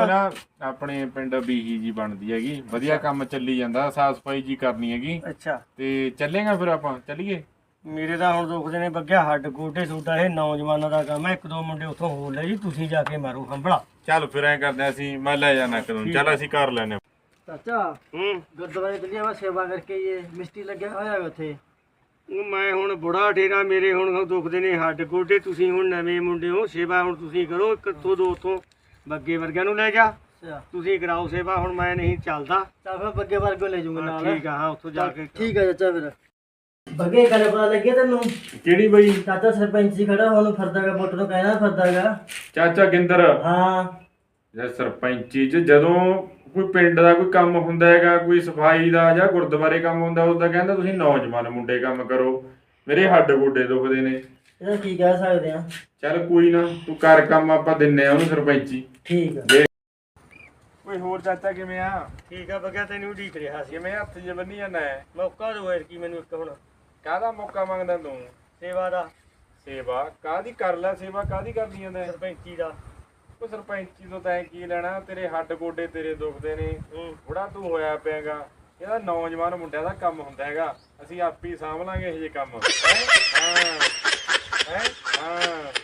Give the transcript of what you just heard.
ਨਾ ਆਪਣੇ ਪਿੰਡ ਬੀਹੀ ਜੀ ਬਣਦੀ ਹੈਗੀ, ਵਧੀਆ ਕੰਮ ਚੱਲੀ ਜਾਂਦਾ, ਸਾਫ ਸਫਾਈ ਜੀ ਕਰਨੀ ਹੈਗੀ। ਅੱਛਾ ਤੇ ਚੱਲੇਗਾ ਫਿਰ ਆਪਾਂ ਚੱਲੀਏ। ਮੇਰੇ ਤਾਂ ਹੁਣ ਦੁਖਦੇ ਨੇ ਬੱਗਿਆ ਹੱਡ ਗੋਡੇ ਤੁਹਾਡਾ ਇਹ ਨੌਜਵਾਨਾਂ ਦਾ ਕੰਮ ਹੈ। ਇੱਕ ਦੋ ਮੁੰਡੇ ਉੱਥੋਂ ਹੋਰ ਲੈ ਜੀ, ਤੁਸੀਂ ਜਾ ਕੇ ਮਾਰੋ ਹੰਬਲਾ। ਚੱਲ ਫਿਰ ਐਂ ਕਰਦੇ ਅਸੀਂ, ਮੈਂ ਲੈ ਜਾਣਾ ਕਦੋਂ, ਚੱਲ ਅਸੀਂ ਕਰ ਲੈਨੇ। ਚਾਚਾ ਗੁਰਦੁਆਰੇ ਚੱਲੀਏ, ਮੈਂ ਸੇਵਾ ਕਰਕੇ ਇਹ ਮਿਸਤਰੀ ਲੱਗਿਆ ਹੋਇਆ ਉੱਥੇ। ਮੈਂ ਹੁਣ ਬੁੜਾ ਠੇਰਾ, ਮੇਰੇ ਹੁਣ ਦੁਖਦੇ ਨੇ ਹੱਡ ਗੋਡੇ, ਤੁਸੀਂ ਹੁਣ ਨਵੇਂ ਮੁੰਡੇ ਹੋ, ਸੇਵਾ ਹੁਣ ਤੁਸੀਂ ਕਰੋ। ਇੱਕ ਤੋਂ ਦੋ ਉੱਥੋਂ ਬੱਗੇ ਵਰਗਿਆਂ ਨੂੰ ਲੈ ਜਾ, ਤੁਸੀਂ ਕਰਾਓ ਸੇਵਾ। ਹੁਣ ਮੈਂ ਨਹੀਂ ਚੱਲਦਾ, ਚੱਲ ਫਿਰ ਬੱਗੇ ਵਰਗੋਂ ਲੈ ਜਾਊਂਗਾ ਨਾਲ। ਠੀਕ ਆ, ਹਾਂ ਉੱਥੋਂ ਜਾ ਕੇ। ਠੀਕ ਆ ਚਾਚਾ। ਫਿਰ ਬੱਗੇ ਗੱਲ ਪਤਾ ਲੱਗਿਆ ਤੈਨੂੰ? ਕਿਹੜੀ ਬਈ? ਚਾਚਾ ਸਰਪੰਚ ਜੀ ਖੜਾ ਹੁਣ ਫਿਰਦਾਗਾ, ਪੁੱਤ ਨੂੰ ਕਹਿਣਾ ਫਿਰਦਾਗਾ। ਚਾਚਾ ਗਿੰਦਰ? ਹਾਂ ਜਾਂ ਸਰਪੰਚੀ ਚ ਜਦੋਂ ਕੋਈ ਪਿੰਡ ਦਾ ਕੋਈ ਕੰਮ ਹੁੰਦਾ ਹੈਗਾ, ਕੋਈ ਸਫਾਈ ਦਾ ਜਾਂ ਗੁਰਦੁਆਰੇ ਕੰਮ ਹੁੰਦਾ, ਉਦੋਂ ਕਹਿੰਦਾ ਤੁਸੀਂ ਨੌਜਵਾਨ ਮੁੰਡੇ ਕੰਮ ਕਰੋ, ਮੇਰੇ ਹੱਡ ਗੋਡੇ ਦੁਖਦੇ ਨੇ। ਇਹਦਾ ਕੀ ਕਹਿ ਸਕਦੇ ਆ। ਚੱਲ ਕੋਈ ਨਾ, ਤੂੰ ਕਰ ਕੰਮ, ਆਪਾਂ ਦਿੰਨੇ ਆ ਉਹਨੂੰ ਸਰਪੰਚੀ। ਠੀਕ ਆ। ਕੋਈ ਹੋਰ ਚਾਚਾ ਕਿਵੇਂ ਆ? ਠੀਕ ਆ ਬੱਗਿਆ, ਤੈਨੂੰ ਉਡੀਕ ਰਿਹਾ ਸੀ। ਕਿਵੇਂ ਹੱਥ ਜੇ ਬੰਨੀ ਜਾਂਦਾ? ਮੌਕਾ ਦੋ ਯਾਰ ਕੀ ਮੈਨੂੰ ਇੱਕ ਹੁਣ। ਕਾਹਦਾ ਮੌਕਾ ਮੰਗਦਾ ਤੂੰ? ਸੇਵਾ ਦਾ। ਸੇਵਾ ਕਾਹਦੀ? ਕਰ ਲੈ ਸੇਵਾ, ਕਾਹਦੀ ਕਰਨੀ ਜਾਂਦਾ? ਸਰਪੰਚੀ ਦਾ। ਉਹ ਸਰਪੰਚੀ ਤੋਂ ਤੈਂ ਕੀ ਲੈਣਾ? ਤੇਰੇ ਹੱਡ ਗੋਡੇ ਤੇਰੇ ਦੁਖਦੇ ਨੇ, ਬੁੜਾ ਤੂੰ ਹੋਇਆ ਪਿਆਗਾ। ਇਹਦਾ ਨੌਜਵਾਨ ਮੁੰਡਿਆਂ ਦਾ ਕੰਮ ਹੁੰਦਾ ਹੈਗਾ, ਅਸੀਂ ਆਪ ਹੀ ਸਾਂਭ ਲਾਂਗੇ ਇਹ ਜੇ ਕੰਮ। ਹਾਂ